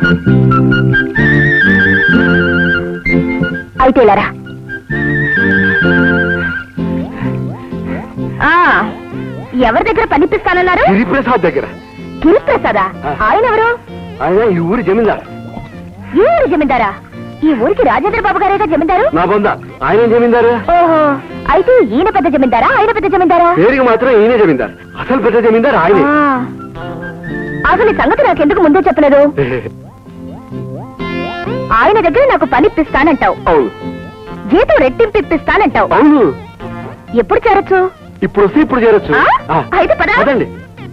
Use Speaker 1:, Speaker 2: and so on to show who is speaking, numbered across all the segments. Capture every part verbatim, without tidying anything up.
Speaker 1: అయితే ఇలారా. ఎవరి దగ్గర పనిపిస్తానన్నారు?
Speaker 2: గిరిప్రసాద్ దగ్గర.
Speaker 1: గిరిప్రసాదా? ఆయన ఎవరు?
Speaker 2: ఆయన ఈ ఊరి జమీందారు.
Speaker 1: ఈ ఊరి జమీందారా? ఈ ఊరికి రాజేంద్ర బాబు గారేగా జమీందారు.
Speaker 2: నా బొంద ఆయన జమీందారు.
Speaker 1: ఓహో, అయితే ఈయన పెద్ద జమీందారా ఆయన పెద్ద జమీందారా?
Speaker 2: పేరుకి మాత్రం ఈయనే జమీందారు, అసలు పెద్ద జమీందారు ఆయనే.
Speaker 1: అసలు ఈ సంగతి నాకెందుకు ముందే చెప్పలేదు? ఆయన దగ్గర నాకు పని ఇప్పిస్తానంటావు.
Speaker 2: అవును.
Speaker 1: జీతం రెట్టింపు ఇప్పిస్తానంటావు.
Speaker 2: అవును.
Speaker 1: ఎప్పుడు చేరొచ్చు?
Speaker 2: ఇప్పుడు వస్తే ఇప్పుడు చేరొచ్చు.
Speaker 1: అయితే పదండి.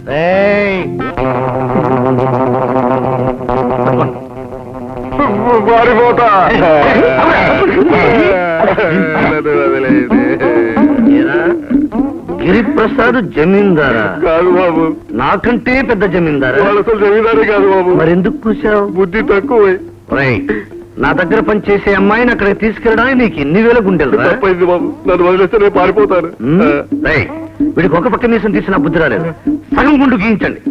Speaker 3: గిరిప్రసాద్ జమీందారా?
Speaker 2: కాదు బాబు,
Speaker 3: నాకంటే పెద్ద జమీందారా?
Speaker 2: అసలు జమీందారే కాదు బాబు.
Speaker 3: మరెందుకు కూర్చావు?
Speaker 2: బుద్ధి తక్కువ.
Speaker 3: నా దగ్గర పనిచేసే అమ్మాయిని అక్కడికి తీసుకెళ్ళడానికి నీకు ఎన్ని వేల గుండెలు?
Speaker 2: తప్పైంది బాబు, నన్ను వదిలేస్తే నేను పారిపోతాను.
Speaker 3: వీడికి ఒక పక్క మీసం తీసిన బుద్ధి రాలేదు, సగం గుండు గీయించండి.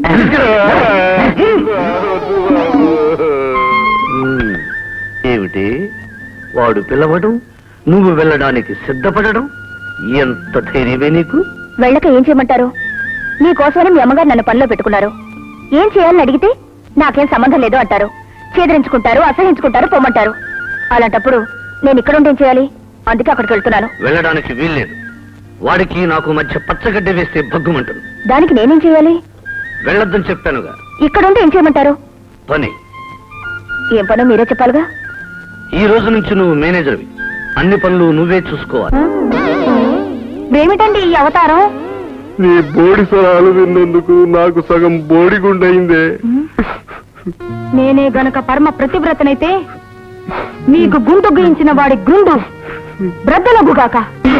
Speaker 3: ఏమిటి వాడు పిలవడం, నువ్వు వెళ్ళడానికి సిద్ధపడడం, ఎంత ధైర్యమే నీకు?
Speaker 1: వెళ్ళక ఏం చేయమంటారు? నీకోసమని మీ అమ్మగారు నన్ను పనిలో పెట్టుకున్నారు. ఏం చేయాలని అడిగితే నాకేం సంబంధం లేదు అంటారు. చేదరించుకుంటారు, అసహించుకుంటారు, పొమ్మంటారు. అలాంటప్పుడు నేను ఇక్కడ ఉండి ఏం చేయాలి? అందుకే అక్కడికి వెళ్తున్నాను.
Speaker 3: వెళ్ళడానికి వీల్లేదు. వాడికి నాకు మధ్య పచ్చగడ్డ వేస్తే భగ్గుమంటుంది.
Speaker 1: దానికి నేనేం చేయాలి?
Speaker 3: వెళ్ళొద్దని చెప్పానుగా.
Speaker 1: ఇక్కడుండి ఏం చేయమంటారు?
Speaker 3: పని.
Speaker 1: ఏం పనో మీరే చెప్పాలిగా.
Speaker 3: ఈ రోజు నుంచి నువ్వు మేనేజర్వి, అన్ని పనులు నువ్వే చూసుకోవాలి.
Speaker 1: ఏమిటండి ఈ అవతారం?
Speaker 2: నీ బోడి స్వరాలు విన్నందుకు నాకు సగం బోడి గుండయిందే.
Speaker 1: నేనే గనక పరమ ప్రతివ్రతనైతే మీకు గుండు గుయించిన వాడి గుండు బ్రద్దలగుగాక.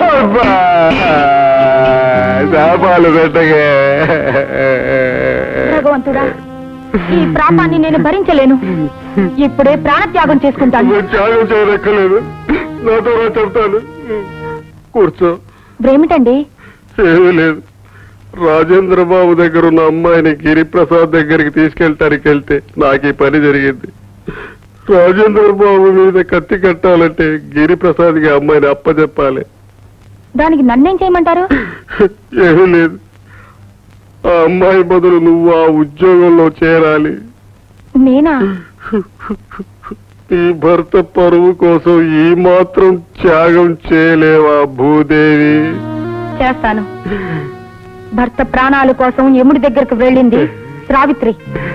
Speaker 1: భగవంతుడా, ఈ ప్రాపాన్ని నేను భరించలేను. ఇప్పుడే ప్రాణత్యాగం చేసుకుంటాను.
Speaker 2: త్యాగం చేయనక్కర్లేదు, నాతో చెప్తాను. కూర్చో.
Speaker 1: ఏమిటండి?
Speaker 2: ఏమీ లేదు. రాజేంద్ర బాబు దగ్గర ఉన్న అమ్మాయిని గిరిప్రసాద్ దగ్గరికి తీసుకెళ్ళటానికి వెళ్తే నాకు ఈ పని జరిగింది. రాజేంద్ర బాబు మీద కత్తి కట్టాలంటే గిరిప్రసాద్కి అమ్మాయిని అప్పచెప్పాలి.
Speaker 1: దానికి నన్నేం చేయమంటారు?
Speaker 2: ఏమీ లేదు, ఆ అమ్మాయి బదులు నువ్వు ఆ ఉద్యోగంలో చేరాలి.
Speaker 1: నేనా?
Speaker 2: ఈ భర్త పరువు కోసం ఈ మాత్రం త్యాగం చేయలేవా భూదేవి?
Speaker 1: చేస్తాను. భర్త ప్రాణాల కోసం యముడి దగ్గరకు వెళ్ళింది సావిత్రి.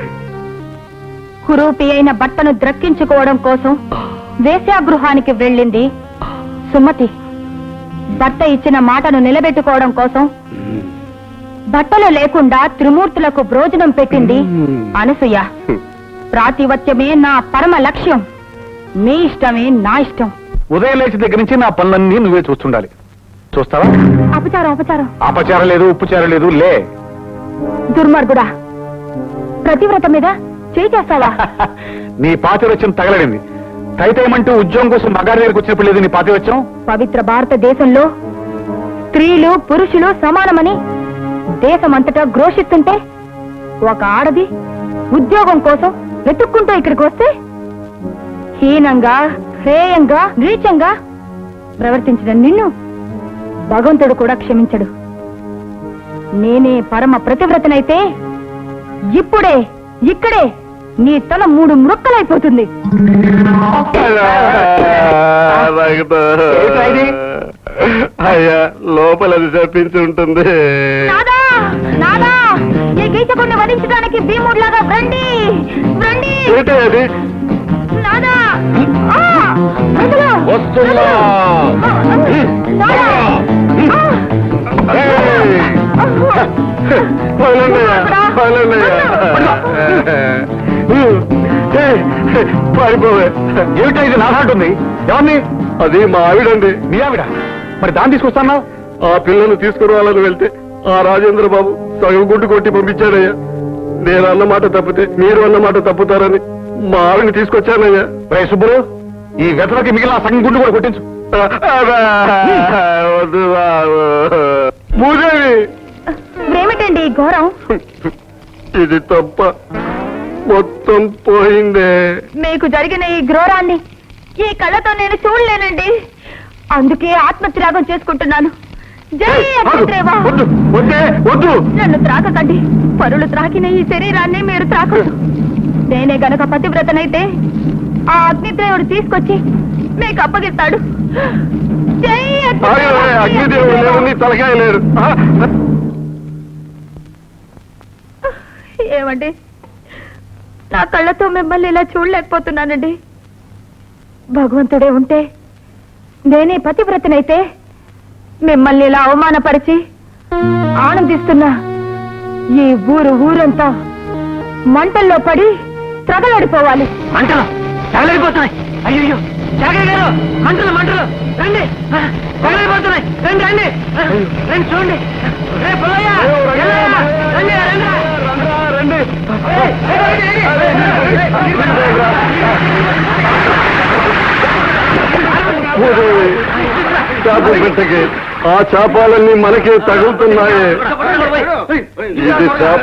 Speaker 1: కురూపి అయిన భర్తను ద్రక్కించుకోవడం కోసం వేశ్యాగృహానికి వెళ్ళింది సుమతి. భర్త ఇచ్చిన మాటను నిలబెట్టుకోవడం కోసం బట్టలు లేకుండా త్రిమూర్తులకు భోజనం పెట్టింది అనసూయ. ప్రాతివత్యమే నా పరమ లక్ష్యం. మీ ఇష్టమే నా ఇష్టం.
Speaker 4: ఉదయం లేచి దగ్గర నుంచి నా పనులన్నీ నువ్వే చూస్తుండాలి. చూస్తావా?
Speaker 1: అపచారం అపచారం.
Speaker 4: అపచారం లేదు, ఉప్పుచారం లేదు. లే.
Speaker 1: దుర్మార్గుడా, ప్రతివ్రత మీద చేయి చేస్తావా?
Speaker 4: నీ పాతివత్యం తగలడింది. తైతేమంటూ ఉద్యోగం కోసం మగారి దగ్గరకు వచ్చినప్పుడు లేదు నీ పాతివత్యం.
Speaker 1: పవిత్ర భారతదేశంలో స్త్రీలు పురుషులు సమానమని దేశమంతటా ఘోషిస్తుంటే ఒక ఆడది ఉద్యోగం కోసం వెతుక్కుంటూ ఇక్కడికి వస్తే హీనంగా, హేయంగా, నీచంగా ప్రవర్తించిన నిన్ను భగవంతుడు కూడా క్షమించడు. నేనే పరమ ప్రతివ్రతనైతే ఇప్పుడే ఇక్కడే నీ తల మూడు మృక్కలైపోతుంది.
Speaker 2: అయ్యా, లోపలది చెప్పించి ఉంటుంది.
Speaker 1: నాదా నాదా, ఈ గీతకుడిని వధించడానికి భీముడిలాగా రండి రండి.
Speaker 2: అది
Speaker 1: నాదా
Speaker 4: వస్తున్నా.
Speaker 2: పారిపోవే.
Speaker 4: ఏమిటా ఇది నాదంటుంది? ఎవరిని?
Speaker 2: అది మా ఆవిడండి.
Speaker 4: మీ ఆవిడ? మరి దాన్ని తీసుకొస్తాను.
Speaker 2: ఆ పిల్లను తీసుకురావాలని వెళ్తే ఆ రాజేంద్ర బాబు సగం గుడ్డు కొట్టి పంపించాడయ్యా. నేను అన్నమాట తప్పితే మీరు అన్నమాట తప్పుతారని మా ఆవిడని తీసుకొచ్చానయ్యా.
Speaker 4: రే సుబ్బులు, ఈ వెతలకి మిగిలిన సగం గుండు కూడా కొట్టించు.
Speaker 2: వద్దు బాబు. భూదేవి,
Speaker 1: ఏమిటండి ఘోరం?
Speaker 2: ఇది తప్ప మొత్తం పోయిందే.
Speaker 1: మీకు జరిగిన ఈ ఘోరాన్ని ఈ కళ్ళతో నేను చూడలేనండి. అందుకే ఆత్మత్యాగం చేసుకుంటున్నాను. జై అగ్నిదేవా!
Speaker 2: వద్దు వద్దే వద్దు.
Speaker 1: నన్ను త్రాకకండి. పరులు త్రాకిన ఈ శరీరాన్ని మీరు త్రాకదు. నేనే గనక పతివ్రతనైతే ఆ అగ్నిదేవుడు తీసుకొచ్చి మీకు అప్పగిస్తాడు. జై
Speaker 2: ఆగవే, అగ్నిదేవుడు లేడు, నీ తలకాయ లేడు. ఆ,
Speaker 1: ఏమండి, నా కళ్ళతో మిమ్మల్ని ఇలా చూడలేకపోతున్నానండి. భగవంతుడే ఉంటే నేనే పతివ్రతనైతే మిమ్మల్ని ఇలా అవమానపరిచి ఆనందిస్తున్నా ఈ ఊరు ఊరంతా మంటల్లో పడి త్రగలడిపోవాలి.
Speaker 3: మంటలు తగలడిపోతున్నాయి. అయ్యో జాగయ్య గారు, మంటలు మంటలు రండి, తగలడిపోతున్నాయి. రండి రండి రండి, చూడండి. రే పుల్లయ్య, ఎల్లయ్య, రండి రండి
Speaker 2: రండి. ఓయ్, చేప పెట్టకే, ఆ చేపాలన్నీ మనకే తగులుతున్నాయే. ఇది చేప